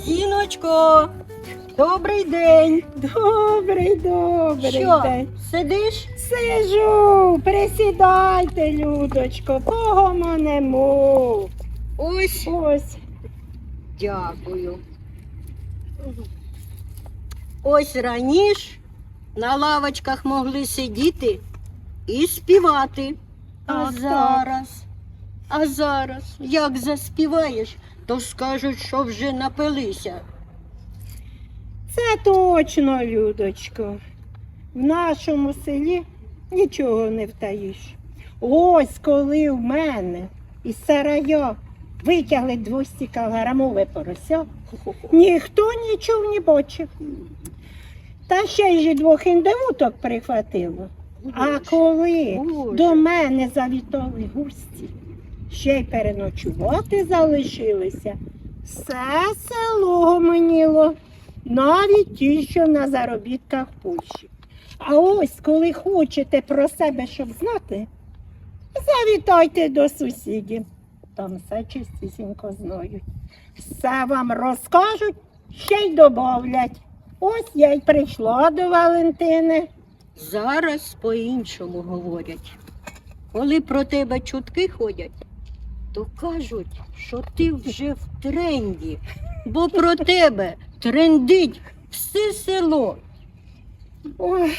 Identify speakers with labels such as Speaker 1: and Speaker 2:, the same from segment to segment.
Speaker 1: Зіночко, добрий день.
Speaker 2: Добрий
Speaker 1: Що,
Speaker 2: день.
Speaker 1: сидиш?
Speaker 2: Сижу, присідайте, Людочко, погомонемо.
Speaker 1: Ось.
Speaker 2: Ось.
Speaker 1: Дякую. Ось раніше на лавочках могли сидіти і співати.
Speaker 2: Так,
Speaker 1: А зараз, як заспіваєш, то скажуть, що вже напилися.
Speaker 2: Це точно, Людочко. В нашому селі нічого не втаїш. Ось коли в мене із сараю витягли 200-кілограмове порося, ніхто нічого не бачив. Та ще й 2 індивуток прихватило. А коли
Speaker 1: Боже.
Speaker 2: до мене завітали гості, ще й переночувати залишилися, все село гомоніло, навіть ті, що на заробітках в Польщі. А ось, коли хочете про себе щоб знати, завітайте до сусідів. Там все чистісінько знають. Все вам розкажуть, ще й добавлять. Ось я й прийшла до Валентини.
Speaker 1: Зараз по-іншому говорять. Коли про тебе чутки ходять, то кажуть, що ти вже в тренді, бо про тебе трендить все село.
Speaker 2: Ой.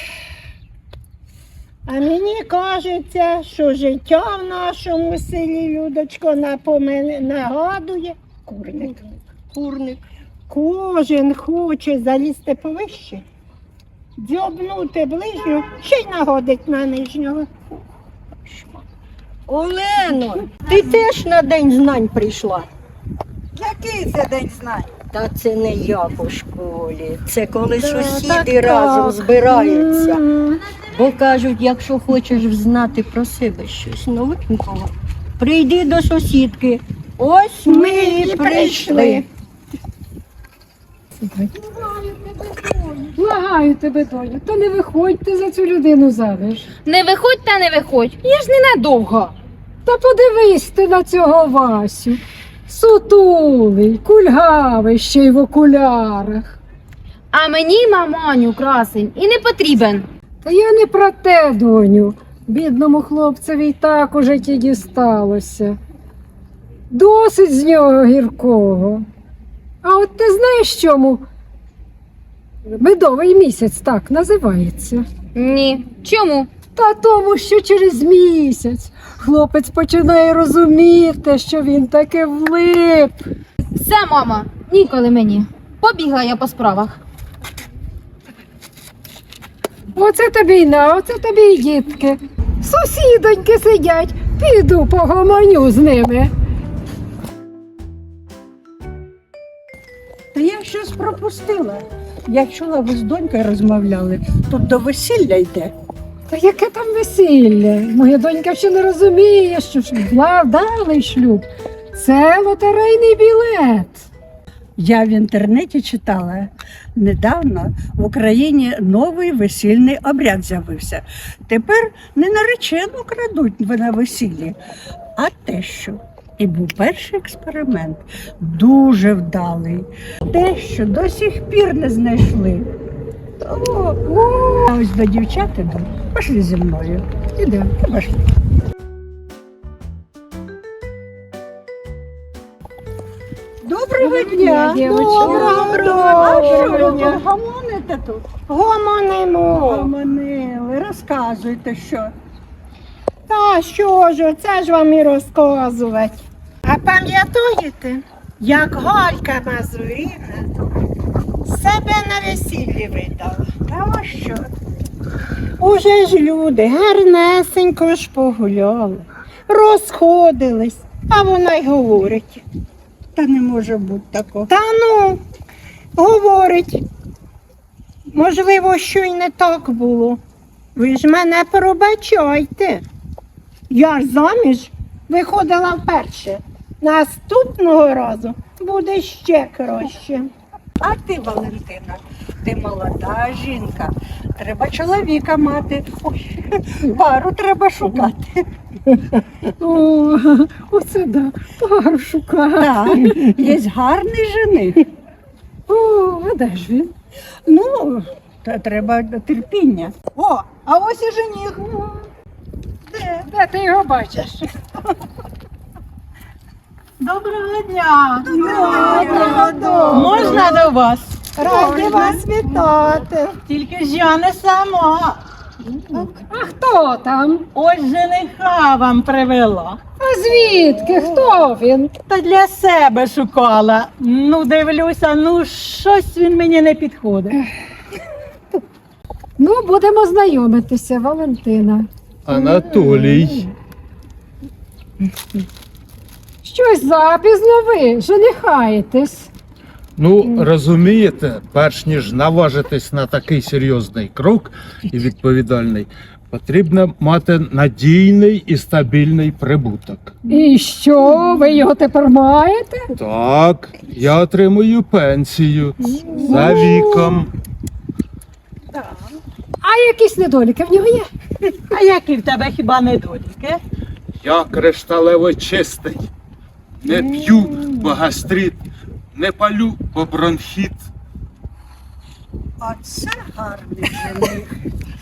Speaker 2: А мені кажеться, що життя в нашому селі, Людочко, нагадує курник.
Speaker 1: Курник.
Speaker 2: Кожен хоче залізти повище, дзьобнути ближню, ще й нагодить на нижнього.
Speaker 1: Олено, ти теж на День знань прийшла?
Speaker 3: Який це день знань?
Speaker 1: Та це не я по школі. Це коли
Speaker 2: Так,
Speaker 1: сусіди
Speaker 2: так,
Speaker 1: разом
Speaker 2: так.
Speaker 1: збираються. Бо кажуть, якщо хочеш знати про себе щось новенького, прийди до сусідки. Ось ми і прийшли.
Speaker 4: Благаю тебе, доню, та не виходьте за цю людину заміж.
Speaker 5: Не виходь та не виходь, я ж ненадовго.
Speaker 4: Та подивись ти на цього Васю. Сутулий, кульгавий, ще й в окулярах.
Speaker 5: А мені, маманю, красень, і не потрібен.
Speaker 4: Та я не про те, доню. Бідному хлопцеві й так у житті дісталося. Досить з нього гіркого. А от ти знаєш чому? Медовий місяць так називається.
Speaker 5: Ні. Чому?
Speaker 4: Та тому, що через місяць хлопець починає розуміти, що він таки влип.
Speaker 5: Все, мама, ніколи мені. Побігла я по справах.
Speaker 4: Оце тобі й на, оце тобі й дітки. Сусідоньки сидять, піду погомоню з ними.
Speaker 3: Та я щось пропустила. Я чула, ви з донькою розмовляли. Тут до весілля йде.
Speaker 4: Та яке там весілля? Моя донька ще не розуміє, що ж вдалий шлюб. Це лотерейний білет.
Speaker 3: Я в інтернеті читала. Недавно в Україні новий весільний обряд з'явився. Тепер не наречену крадуть на весіллі, а тещу. І був перший експеримент, дуже вдалий. Тещу до сих пір не знайшли. А ось до дівчат іду. Пошли зі мною. Ідемо, пошли. Доброго дня!
Speaker 2: Доброго дня!
Speaker 3: Гомоните тут?
Speaker 2: Гомонимо.
Speaker 3: Гомонили, розказуйте, що.
Speaker 2: Та що ж, це ж вам і розказувати. А пам'ятаєте, як Галька Мазуріна себе на весіллі видала?
Speaker 3: Та ось що?
Speaker 2: Уже ж люди гарнесенько ж погуляли, розходились, а вона й говорить.
Speaker 3: Та не може бути такого.
Speaker 2: Та ну, говорить, можливо, що й не так було. Ви ж мене пробачайте. Я ж заміж виходила вперше. Наступного разу буде ще краще.
Speaker 3: А ти, Валентина, ти молода жінка. Треба чоловіка мати. Ой, пару треба шукати.
Speaker 4: О, оце да, пару шукати.
Speaker 3: Так, є гарний жених.
Speaker 4: О, а де ж він?
Speaker 3: Ну, та треба терпіння. О, а ось і жених.
Speaker 4: Де ти його бачиш?
Speaker 6: Доброго дня!
Speaker 2: Доброго дня!
Speaker 6: Можна до вас?
Speaker 2: Раді вас вітати.
Speaker 6: Тільки ж я не сама.
Speaker 4: А хто там?
Speaker 6: Ось жениха вам привела.
Speaker 4: А звідки? Хто він?
Speaker 6: Та для себе шукала. Ну, дивлюся, ну щось він мені не підходить.
Speaker 4: Ну, будемо знайомитися, Валентина.
Speaker 7: Анатолій.
Speaker 4: Щось запізно ви, женихаєтесь.
Speaker 7: Ну, розумієте, перш ніж наважитись на такий серйозний крок і відповідальний, потрібно мати надійний і стабільний прибуток.
Speaker 4: І що, ви його тепер маєте?
Speaker 7: Так, я отримую пенсію за віком.
Speaker 4: А якісь недоліки в нього є?
Speaker 6: А які в тебе хіба недоліки?
Speaker 7: Я кришталево чистий. Не п'ю, бо гастрит, не палю, бо бронхіт.
Speaker 3: Оце гарний жених.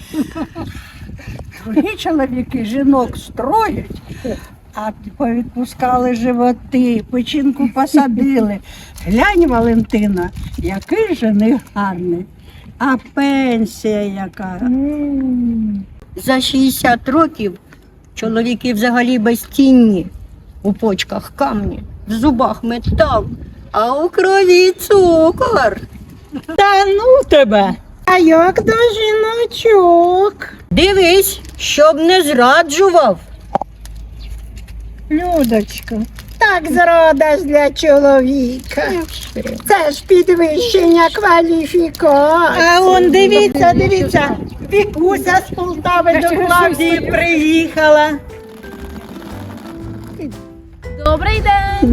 Speaker 3: Другі чоловіки жінок строять, а повідпускали животи, печінку посадили. Глянь, Валентина, який жених гарний. А пенсія яка.
Speaker 1: За 60 років чоловіки взагалі безцінні. У почках камні, в зубах метал, а у крові цукор.
Speaker 6: Та ну тебе!
Speaker 2: А як до жіночок?
Speaker 1: Дивись, щоб не зраджував.
Speaker 3: Людочка,
Speaker 2: Так зрада ж для чоловіка. Це ж підвищення кваліфікації.
Speaker 6: А он дивіться, Вікуся з Полтави до Клавдії приїхала.
Speaker 5: Добрий день!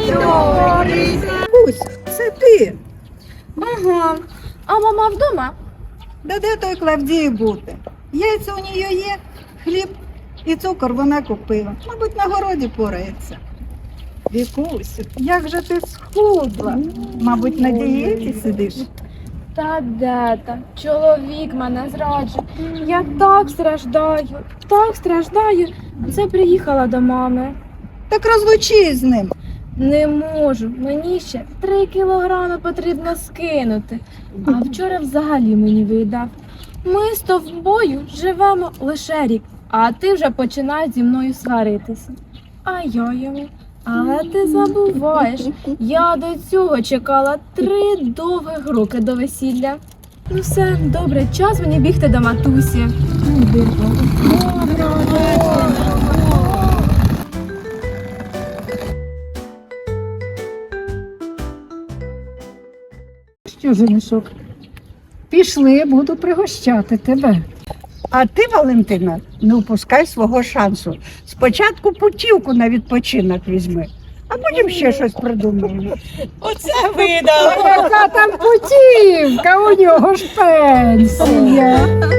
Speaker 3: Куся, це ти.
Speaker 5: Ага. А мама вдома?
Speaker 8: Да де той Клавдії бути? Яйця у нього є, хліб і цукор вона купила. Мабуть, на городі порається. Вікусь, як же ти схудла? Мабуть, на дієті сидиш?
Speaker 9: Та де там? Чоловік мене зраджує. Я так страждаю. Це приїхала до мами.
Speaker 8: Так розлучись з ним.
Speaker 9: Не можу. Мені ще 3 кілограми потрібно скинути. А вчора взагалі мені видав. Ми з тобою живемо лише рік, а ти вже починаєш зі мною сваритися. А я йому. Але ти забуваєш, я до цього чекала 3 довгих роки до весілля. Ну все, добре, час мені бігти до матусі.
Speaker 4: Що, женишок? Пішли, буду пригощати тебе.
Speaker 3: А ти, Валентина, не упускай свого шансу. Спочатку путівку на відпочинок візьми, а потім ще щось придумаємо.
Speaker 6: Оце видала.
Speaker 4: Яка там путівка, у нього ж пенсія.